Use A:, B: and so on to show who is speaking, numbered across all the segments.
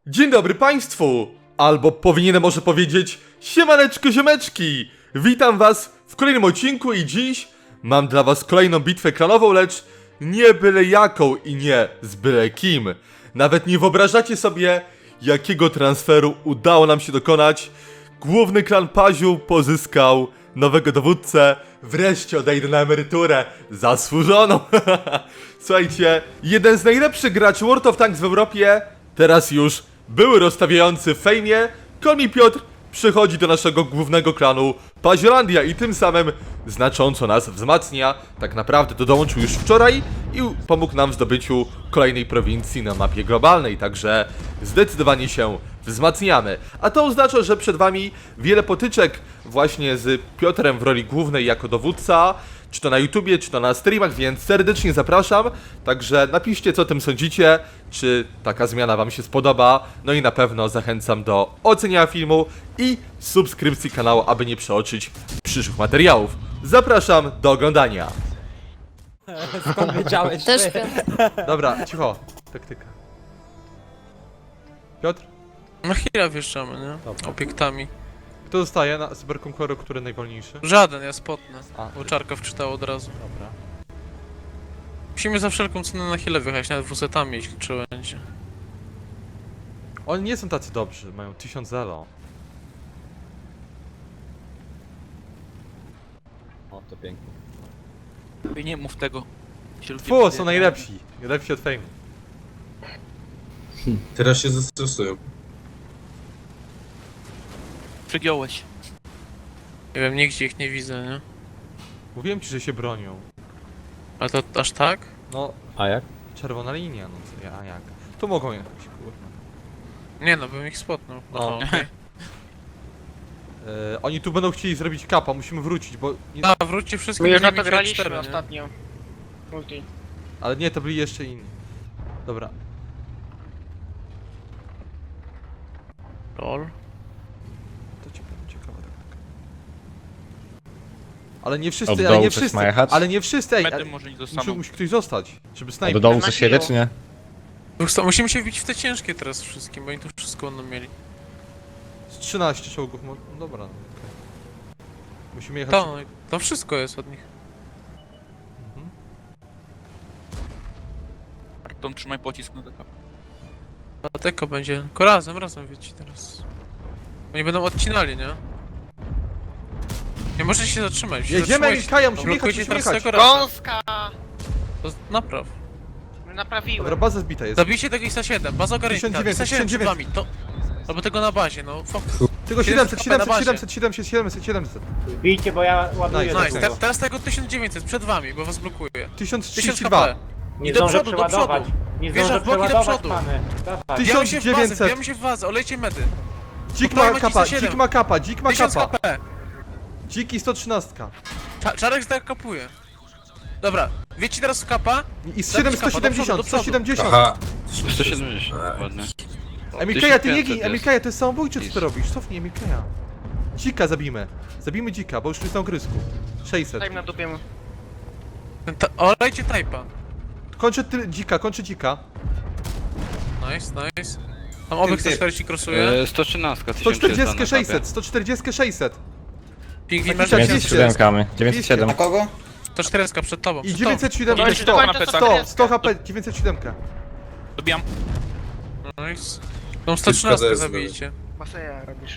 A: Dzień dobry Państwu! Albo powinienem może powiedzieć siemaneczko ziomeczki! Witam Was w kolejnym odcinku i dziś mam dla Was kolejną bitwę klanową, lecz nie byle jaką i nie z byle kim. Nawet nie wyobrażacie sobie, jakiego transferu udało nam się dokonać. Główny klan Paziu pozyskał nowego dowódcę. Wreszcie odejdę na emeryturę. Zasłużoną. Słuchajcie, jeden z najlepszych graczy World of Tanks w Europie, teraz już były rozstawiający w fejmie, Kolmi Piotr przychodzi do naszego głównego klanu Paziolandia i tym samym znacząco nas wzmacnia. Tak naprawdę dołączył już wczoraj i pomógł nam w zdobyciu kolejnej prowincji na mapie globalnej, także zdecydowanie się wzmacniamy. A to oznacza, że przed Wami wiele potyczek właśnie z Piotrem w roli głównej jako dowódca, czy to na YouTubie, czy to na streamach, więc serdecznie zapraszam. Także napiszcie, co o tym sądzicie, czy taka zmiana Wam się spodoba. No i na pewno zachęcam do oceniania filmu i subskrypcji kanału, aby nie przeoczyć przyszłych materiałów. Zapraszam do oglądania.
B: Skąd wiedziałeś?
C: Też
B: ty?
C: Piotr.
A: Dobra, cicho. Taktyka. Piotr?
D: Na chwilę wjeżdżamy, nie?
A: Dobra.
D: Obiektami.
A: Kto zostaje na Cyberconqueror, który najwolniejszy?
D: Żaden, ja spotnę.
A: A,
D: Bo Czarka wczytał od razu.
A: dobra.
D: Musimy za wszelką cenę na chwilę wyjechać, nawet wusetami, jeśli trzeba będzie.
A: Oni nie są tacy dobrzy, mają 1000 elo.
B: O, to pięknie.
E: Nie mów tego.
A: Fu, są najlepsi. Lepsi od Fame.
F: Teraz się zestresują.
E: Przegiąłeś.
D: Nie wiem, nigdzie ich nie widzę, nie?
A: Mówiłem ci, że się bronią.
D: Ale to aż tak?
A: No,
B: A jak?
A: czerwona linia, no co ja, a jak? Tu mogą jechać, kurwa.
D: Nie no, bym ich spotnął.
A: No.
D: Aha, okej.
A: Oni tu będą chcieli zrobić kapa, musimy wrócić, bo... Nie,
D: A, wróćcie wszystkim
G: My już
D: do
G: na to
D: 9-4,
G: graliśmy
D: nie?
G: ostatnio. Multi.
A: ale nie, to byli jeszcze inni. Dobra.
D: Lol.
A: To ciekawe tak. Ale nie
H: Od
A: wszyscy,
H: dołu
A: ale nie
H: coś
A: wszyscy,
H: ma jechać?
A: ale nie wszyscy, ej,
E: Medy może nie dostaną.
A: musi ktoś zostać, żeby
H: A
A: snajper.
H: do dołu
G: Na
H: coś jedzie,
G: kilo.
H: czy nie?
D: Musimy się wbić w te ciężkie teraz wszystkim, bo oni tu wszystko będą mieli.
A: Z 13 czołgów, no dobra. No, okej. Musimy jechać...
D: To, to wszystko jest od nich.
A: Mhm.
E: Arton, trzymaj pocisk na taka.
D: Dlatego będzie. Tylko razem wiecie teraz. Oni będą odcinali, nie? Nie możecie się zatrzymać.
A: Jedziemy,
D: Zatrzymajcie.
A: Kaja, musimy jechać,
D: Blokujcie
A: musimy
D: teraz
A: jechać.
D: tego raza.
G: Gąska!
D: To napraw.
G: Naprawiłem.
A: Dobra, baza zbita jest.
D: Zabijcie tego ISA 7, baza ogarnięta.
A: 1900,
D: ISA 7 przed wami, to... Albo tego na bazie, no fokus.
A: Tylko 700,
D: 700,
A: 700, 700, 700, 700.
B: Bijcie, bo ja ładuję
A: Nice,
B: do
D: Nice,
B: tego.
D: teraz tego 1900 przed wami, bo was blokuje. 1000
A: 1032.
D: HP.
B: Nie
D: I do
B: zdążę
D: przodu, do
B: przeładować.
D: przodu.
B: Nie
D: Wjeżdża
B: zdążę
D: w boki do
B: przeładować,
D: przodu.
B: pany. Dawaj.
A: 1900.
D: Wbijamy się w wazę, olejcie medy.
A: Dzik
D: Podpalmy
A: ma kapa,
D: ISA 7.
A: dzik ma kapa, dzik ma
D: 1000
A: kapa.
D: HP.
A: Dzik i 113.
D: Czarek tak kapuje. Dobra, wiecie teraz w kapa?
A: I
D: Zabij kapa,
A: 170,
D: do przodu.
A: 170.
F: Aha.
E: 170, ładnie.
A: Emilkaja, ty nie
E: 1500
A: gin,
E: jest.
A: Emilkaja, to jest samobójcze, co ty robisz? Cofnij Emilkaja. Dzika zabijmy. Zabijmy dzika, bo już jest na ogrysku. 600.
G: Daj na dupie mu.
D: Olejcie typa.
A: Kończę dzika, kończę dzika.
D: Nice, nice. Tam obiekt 140 krosuje.
E: 113,
A: 140, 600, 140, 600.
D: Pingwin
A: Dwadzieścia,
D: masz
H: 907, 907.
D: 140 przed tobą,
A: I
D: przed tobą.
A: 907,
G: Kończy
A: 100,
G: do końca
A: 100, 100 HP, 907.
E: Dobijam.
D: Nice. Tą 113
F: KDS
D: zabijcie.
G: Maseja robisz.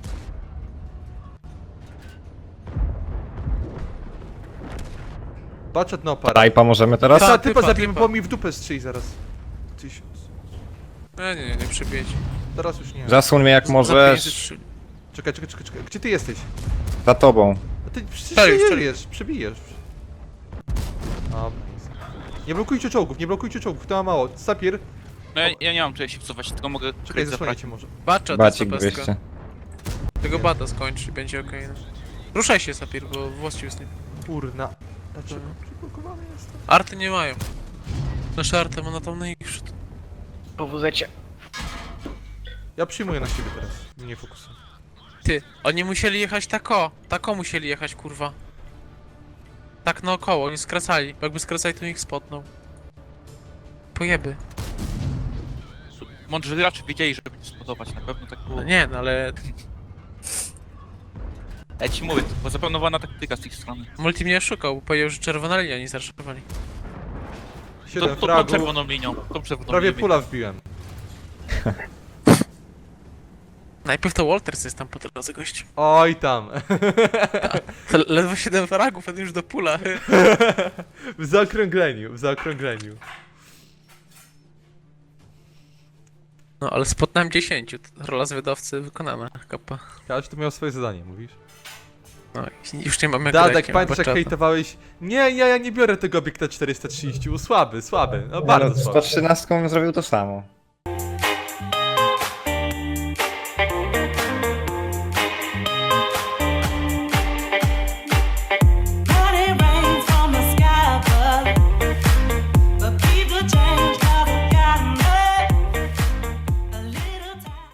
A: Baczet na opara.
H: Rajpa możemy teraz?
A: Ta
D: Tak,
A: typa
D: typa,
A: zabijmy,
D: typa.
A: bo mi w dupę strzeli zaraz. 1000.
D: Nie przebijecie.
A: Teraz już nie.
H: Zasłoń mnie jak możesz.
A: Czekaj. Gdzie ty jesteś?
H: Za tobą.
A: A ty przecież
D: Czekaj,
A: przebijesz. Dobra. Nie blokujcie czołgów, to ma mało. Sapir,
E: No ja nie mam czego się wcofać, tylko mogę
A: czekaj,
E: kryć za
A: zasłaniajcie może.
D: Bacza,
H: Bacik
D: to jest
H: 200.
D: Tego bata skończy i będzie okej. No. Ruszaj się, Sapir, bo właściwie jest nie...
A: Kurna. Dlaczego? Przyblokowany jestem.
D: Arty nie mają. Nasze arty ma na tam najwyższy.
G: Po wózecie.
A: Ja przyjmuję na siebie teraz. Nie fokusuję.
D: Ty, oni musieli jechać tako musieli jechać, kurwa. Tak naokoło, oni skracali. Bo jakby skracali, to ich spotnął. Pojeby.
E: Mądrzy gracze wiedzieli, żeby nie spodobać, na pewno tak było.
D: No nie, no ale
E: Ja ci mówię, to była zaplanowana taktyka z ich strony.
D: Multi mnie oszukał, bo powiedział, że czerwona linia nie zarszowali.
A: 7
E: Tą
A: fragów.
E: czerwoną linią, tą czerwoną
A: Prawie
E: linią.
A: pula wbiłem.
D: Najpierw to Walters jest tam po drodze, gość.
A: Oj tam.
D: Ledwo 7 fragów, a ty już do pula.
A: W zaokrągleniu, w zaokrągleniu.
D: No ale spotnąłem 10, rola zwiadowcy wykonana, kapa.
A: Każdy miał swoje zadanie, mówisz?
D: No i już nie mam jak
A: Dadek,
D: grać,
A: pamiętasz jak hejtowałeś? Nie, ja nie biorę tego obiekta 430, słaby, no
H: Ja
A: bardzo
H: no, z
A: słaby.
H: 113 zrobił to samo.